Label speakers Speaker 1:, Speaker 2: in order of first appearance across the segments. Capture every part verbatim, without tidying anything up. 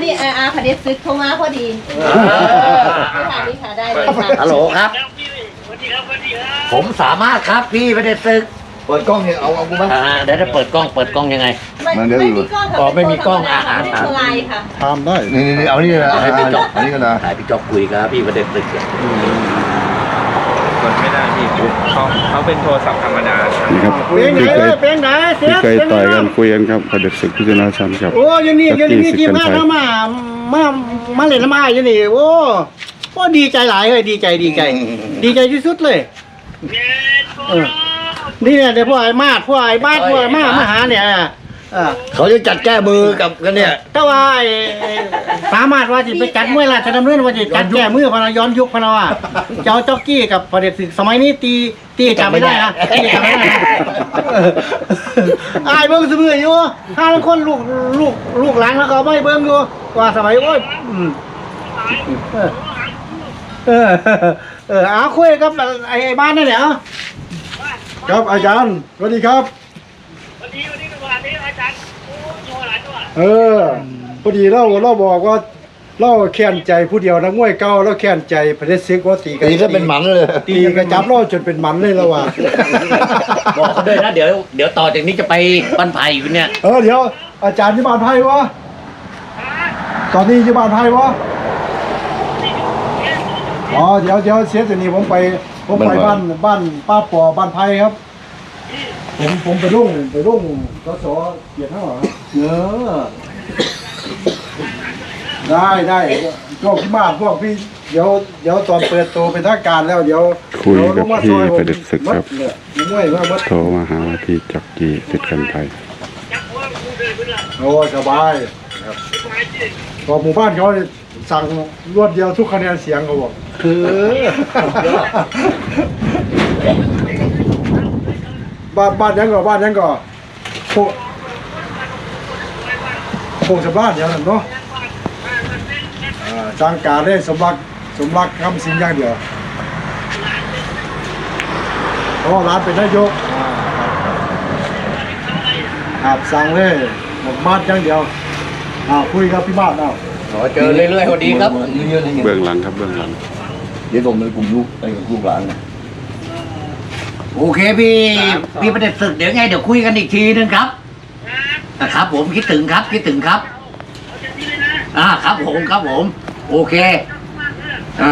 Speaker 1: นี่อาอาพเดชซึกโทรมาพอดีค่ะนี่ค่ะได้เลยค่ะ
Speaker 2: ฮัลโหลครับผมสามารถครับพี่ไม่ได้ซึก
Speaker 3: เปิดกล้องเนี่ยเอาเอากูบ้าง
Speaker 2: อ่าเดี๋ยวจะเปิดกล้องเปิดกล้องยังไง
Speaker 1: ไม่ไม่มีกล้องค่ะ
Speaker 2: อ๋อไม่มีกล้องอ่ะ
Speaker 1: ไม่ได้โทรไลน์ค่ะ
Speaker 4: ทำได้
Speaker 3: นี่นี่เอานี่เลยนะ
Speaker 2: ให้พี่จ๊อก
Speaker 3: อันนี้กันนะ
Speaker 2: ถ่ายพี่จ๊อกคุยครับพี่ไม่ได้ซึกเนี่ย
Speaker 5: กดไม่ได้พี่เขาเขาเป็นโทรศัพท์ธรรมดา
Speaker 4: นี่ครับ
Speaker 6: เพลงไหน
Speaker 4: พี่เคย
Speaker 6: เพลงไหนเสี
Speaker 4: พี่
Speaker 6: ย
Speaker 4: เคยต่อยกันคุยกันครับประเด็จศึกพิจารณาชันครับ
Speaker 6: โอ้ยนี่ยังนี่ทีมงาน
Speaker 4: จักรี
Speaker 6: เข้ามามามาเล่นน้ำอ้ายยังนี่โอ้โอ้ดีใจหลายเลยดีใจดีใจ ดีใจที่สุดเลยเออนี่เนี่ยเดี๋ยวพวกไอ้มาดพวกไอ้บ้านพวกไอ้มามาหาเนี่ยเออ
Speaker 3: เขาจะจัดแก้มือกับกันเนี่ย
Speaker 6: แต่ว่าไอ้สามารถว่าจะไปจัดมวยราชดำเนินว่าจะจัดแก้มือพนันย้อนยุคพนันว่าเจ้าจ็อกกี้กับประเด็จศึกสมัยนี้ตีตีจำไม่ได้นะตีจำไม่ได้นะไอ้เบิ้งเสมออยู่ถ้าคนลูกลูกลูกหลานแล้วก็ไม่เบิ้งอยู่ว่าสมัยโอ้ยอืมเออเออเออเอาคุยกับไอ้บ้านนั่นแหละ
Speaker 4: ครับอาจารย์สวัสดีครับ
Speaker 7: วันนี้วันนี้ก็วันนี้อาจารย์โอ้โชว์หลายตัว
Speaker 4: เออพอดีเราเราบอกว่าเราแค้นใจผู้เดียวนักมวยเก่าเราแค้นใจประเด็จศึกว่าตีกัน
Speaker 3: ตีก็เป็นหมันเลย
Speaker 4: ตีกันจับเราจนเป็นหมันเลยแล้วว่ะ
Speaker 2: บอกเขาด้วยนะเดี๋ยวเดี๋ยวต่อจากนี้จะไปบ้านไผ่อยู่เนี่ย
Speaker 4: เออเดี๋ยวอาจารย์ที่บ้านไพ่วะตอนนี้ที่บ้านไพ่วะอ๋อเดี๋ยวเดี๋ยวเสียตัวนี้ผมไปผมไปบ้านบ้านป้าปอบ้านไพ่ครับ ผมผมไปรุ่งไปรุ่งสสเกียรติเท่าไหร่เออได้ได้พวกพี่มาพวกพี่เดี๋ยวเดี๋ยวตอนเปิดตัวเป็นทางการแล้วเดี๋ยว
Speaker 8: คุยกับพี่ประเด็จศึกครับ
Speaker 4: เนี่ยมวยว่ามัด
Speaker 8: โทรมาหาว่าพี่จ็อกกี้สิทธิ์กันไทย
Speaker 7: จับหัวกูเดินไปละ
Speaker 4: โอ้สบายครับพอหมู่บ้านเขาสั่งรวดเดียวทุกคะแนนเสียงเขาบอกคือบ้านบ้านยังก่อบ้านยังก่อโคโคงสำราญอย่างนั้นเนาะอ่าจ้างการได้สมรักสมรักคำสิงอย่างเดียวเพราะว่าร้านเป็นนายกอ่าครับสั่งเลยหมดมาดอย่างเดียวอ่าคุยกับพี่มาดเอา
Speaker 2: ขอเจอเรื่อยๆคนดีครับ
Speaker 3: เยอะๆเลยไง
Speaker 8: เบื้องหลังครับเบื้องหลัง
Speaker 3: เดี๋ยวผมในกลุ่มลูกไอ้ลูกหลานนะ
Speaker 2: โอเคพี่พี่ประเด็จศึกเดี๋ยวไงเดี๋ยวคุยกันอีกทีนึงครับนะครับผมคิดถึงครับคิดถึงครับอ่าครับผมครับผม โอเคอ่า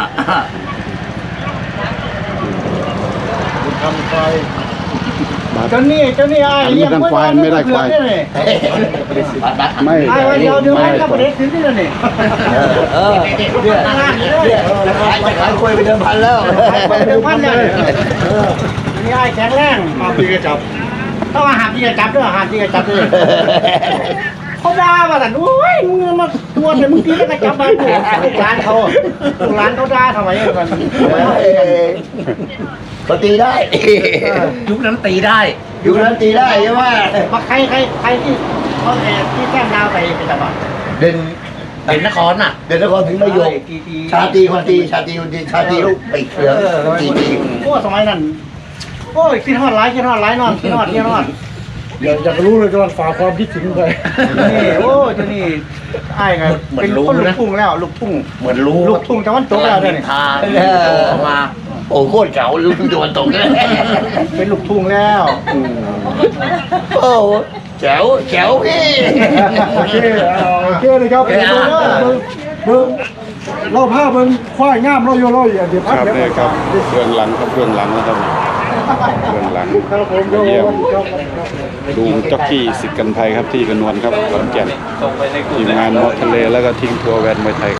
Speaker 4: ทำไฟ
Speaker 6: เจ้านี่เจ้านี่ไอ้เลี้ยง
Speaker 4: ไม่ได้ควายไม่ได้ควาย
Speaker 2: บัตรบัตร
Speaker 4: ไม่
Speaker 6: ไอ้วันเดียวเดียวให้กับประเด็จศึกนี่นี่
Speaker 3: เออเนี่ยเนี่ยจะขายจะขายคุยไปเดิมพันแล้ว
Speaker 6: ไปเดิมพันเลยนี่ไอ้แข็งแรง
Speaker 4: มาพี่ก็จับ
Speaker 6: ต้องอาหารที่จะจับด้วยอาหารที่จะจับด้วยเขาด่าว่าแต่โอ้ยมึงมาตัวเดี๋ยวมึงตีแล้วก็จับมาลูกร้านเขาลูกร้านเขาด่าทำไมกัน
Speaker 3: เขาตีได้
Speaker 2: ยุคนั้นตีได้
Speaker 3: อยู่นั้นตีได้ใช่ไหม
Speaker 6: มาใครใครใครที่เขาแอบที่แก้มดาวไปไปจับอ่ะ
Speaker 3: เด่น
Speaker 2: เป็นนครน่ะ
Speaker 3: เด่นนครถึงไม่ยกชาตีคนตีชาตีคนตีชาตีลูกปีกเหลืองตีตี
Speaker 6: โอ้สมัยนั้นโอ้ยคิดฮอดไลค์คิดฮอดไลค์นอนคิดฮอดคิดฮอด
Speaker 4: อยากอยากรู้เลยก็ฝากความคิดถึงไป
Speaker 6: นี่โอ้เจ้านี่ไอ้ไงเป็นคนลูกทุ่งแล้วลูกทุ่ง
Speaker 2: เหมือนรู้
Speaker 6: ลูกทุ่งตะวันตกแล้วเนี่ย
Speaker 2: ทาออกมา
Speaker 3: โอ้โคตรเก่าลูกตะวันตกเลย
Speaker 6: เป็นลูกทุ่งแล้ว
Speaker 3: โอ้แจ๋วแจ๋วพี่
Speaker 4: โอเคเอาโอเคเลยครับเบิ้งเบิ้งเราภาพมันควายงามเราโยเราอย่าเดี๋ยว
Speaker 8: ค
Speaker 4: พัก
Speaker 8: รับ
Speaker 4: เดี๋ยว
Speaker 8: เนี่ยครับเบื้องหลังครับเบื้องหลังนะครับเบื้องหลัง
Speaker 4: ครับผม
Speaker 8: มาเยี่ยม
Speaker 4: ครับ
Speaker 8: ดูจ็อกกี้สิทธิ์กันไทยครับที่กระนวลครับขอนแก่น
Speaker 5: ส่งไปในกลุ่ม
Speaker 8: ทีมงานมอทะเลแล้วก็ทิ้งทัวร์แวนมวยไทย